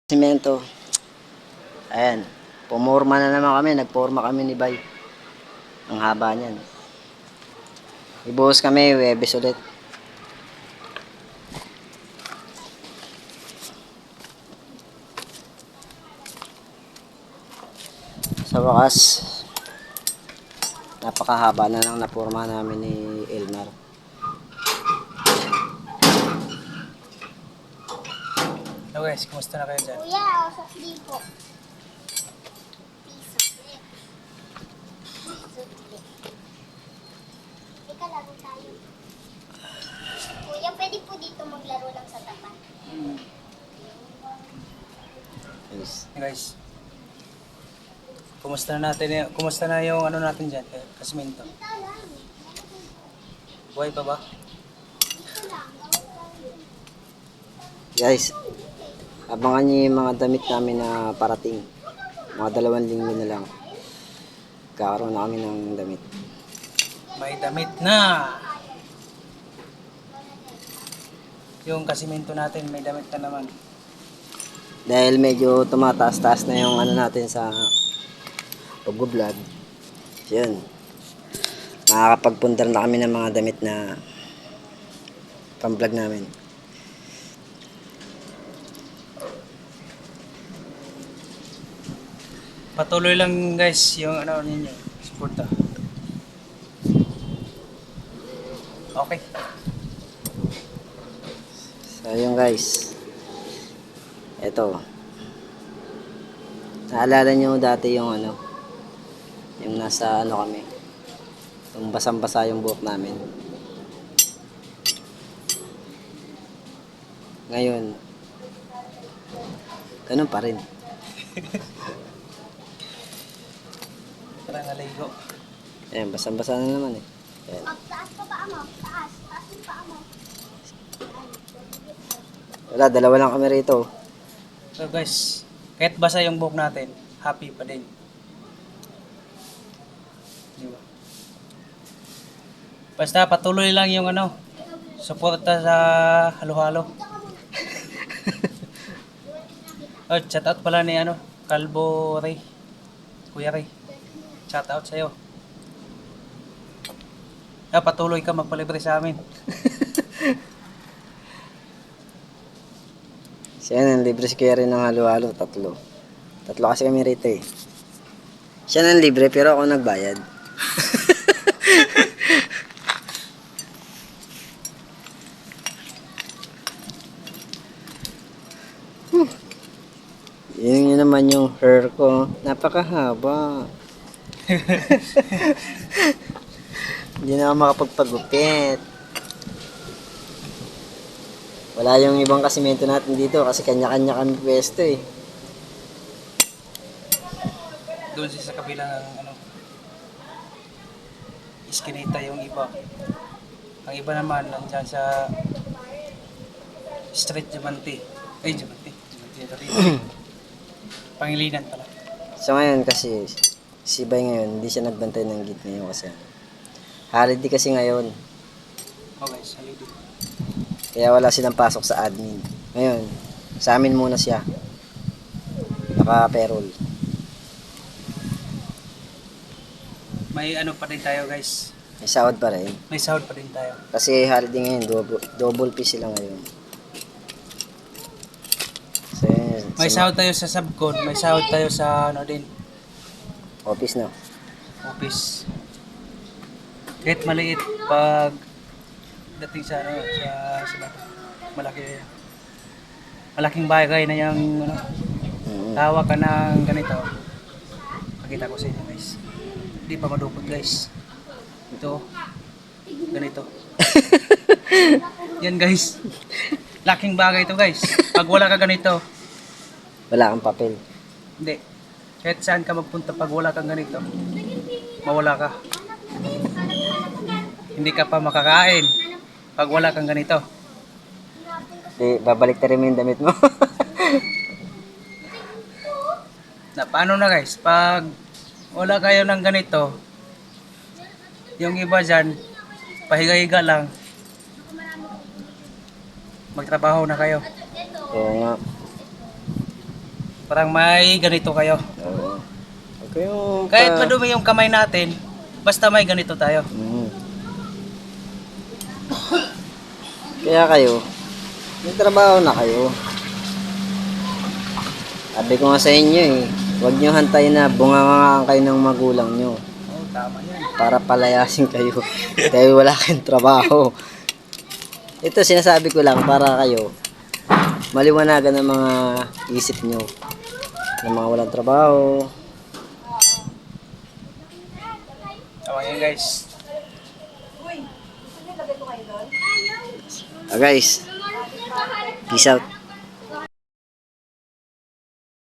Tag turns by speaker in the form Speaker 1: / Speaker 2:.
Speaker 1: Simento. Ayan. Pumorma na naman kami. Nagporma kami ni Bay. Ang haba niyan. Ibuhos kami. Webes ulit. Sa wakas, napakahaba na lang napurma namin ni Elmar.
Speaker 2: Hello guys, kumusta na kayo dyan?
Speaker 3: Kuya, sa po. Piso. Teka, laro tayo. Kuya, pwede po dito maglaro lang sa tapat.
Speaker 1: Yes.
Speaker 2: Hey guys, kumusta na yung ano natin dyan, kasimento?
Speaker 3: Dito lang.
Speaker 2: Buhay pa ba?
Speaker 3: Dito lang.
Speaker 1: Guys, abangan niyo yung mga damit namin na parating. Mga 2 linggo na lang. Kakaroon na kami ng damit.
Speaker 2: May damit na! Yung kasimento natin, may damit na naman.
Speaker 1: Dahil medyo tumataas-taas na yung ano natin sa pag-vlog. Yun. Makakapagpundar na kami ng mga damit na pang-vlog namin.
Speaker 2: Patuloy lang guys yung ano ninyo, suporta. Okay.
Speaker 1: So yun guys. Ito. Naalala nyo dati yung ano, yung nasa ano kami, yung basang-basa yung buhok namin. Ngayon, ganun pa rin.
Speaker 2: Parang aligo.
Speaker 1: Ayan, basang-basa na naman eh. Ayan.
Speaker 3: Taas pa paa mo. Taas. Taas yung paa mo.
Speaker 1: Wala, 2 lang kami rito.
Speaker 2: So guys, kahit basa yung buhok natin, happy pa din. Di ba? Basta patuloy lang yung ano, suporta sa halo-halo. Oh, shout out pala ni ano, Calvo Ray. Kuya Ray. Shout out sa'yo. Patuloy ka magpalibre sa amin.
Speaker 1: Siya nang libre si Kuya rin ng halo-halo, 3. 3 kasi kami rito eh. Siya nang libre pero ako nagbayad. Yun naman yung hair ko. Napakahaba. Hindi na ako makapagpagupit. Wala yung ibang kasimento natin dito kasi kanya-kanya kami pwesto eh.
Speaker 2: Doon sa kabilang ano, iskinita yung iba. Ang iba naman nandiyan sa Street Diamante. Ay, Diamante. Diamante. Pangilinan pala.
Speaker 1: So ngayon kasi si Bay ngayon hindi siya nagbantay ng gate ngayon kasi holiday kasi ngayon.
Speaker 2: Okay, salidi.
Speaker 1: Kaya wala silang pasok sa admin. Ngayon, sa amin muna siya. Naka-payroll.
Speaker 2: May ano pa din tayo guys.
Speaker 1: May sahod pa rin.
Speaker 2: May sahod pa din tayo.
Speaker 1: Kasi holiday ngayon, double pay sila ngayon. So yun,
Speaker 2: May
Speaker 1: sa
Speaker 2: sahod tayo sa subcon, may sahod tayo sa ano din,
Speaker 1: office na.
Speaker 2: office. Kahit maliit pag dating sa ano, sa malaking bagay na yung ano, tawa ka ng ganito. Pakita ko sa inyo guys. Hindi pa madupot guys. Ito, ganito. Yan guys. Laking bagay ito guys. Pag wala ka ganito,
Speaker 1: Wala kang papel.
Speaker 2: hindi. Kahit saan ka magpunta pag wala kang ganito, mawala ka. Hindi ka pa makakain pag wala kang ganito.
Speaker 1: Di, babalik na rin mo yung damit mo.
Speaker 2: Na paano na guys, pag wala kayo ng ganito, yung iba dyan, pahiga-higa lang, magtrabaho na kayo.
Speaker 1: Kaya nga.
Speaker 2: Parang may ganito kayo.
Speaker 1: Oo. Huwag kayong
Speaker 2: Kahit madumi yung kamay natin, basta may ganito tayo.
Speaker 1: Mm. Kaya kayo, may trabaho na kayo. Sabi ko nga sa inyo eh, huwag nyo hantayin na bungangangaan kayo ng magulang nyo
Speaker 2: Oo, tama yan.
Speaker 1: para palayasin kayo. Dahil wala kayong trabaho. Ito sinasabi ko lang para kayo maliwanagan ang mga isip nyo ng mga walang trabaho.
Speaker 2: Tama yan guys.
Speaker 1: Guys, peace out.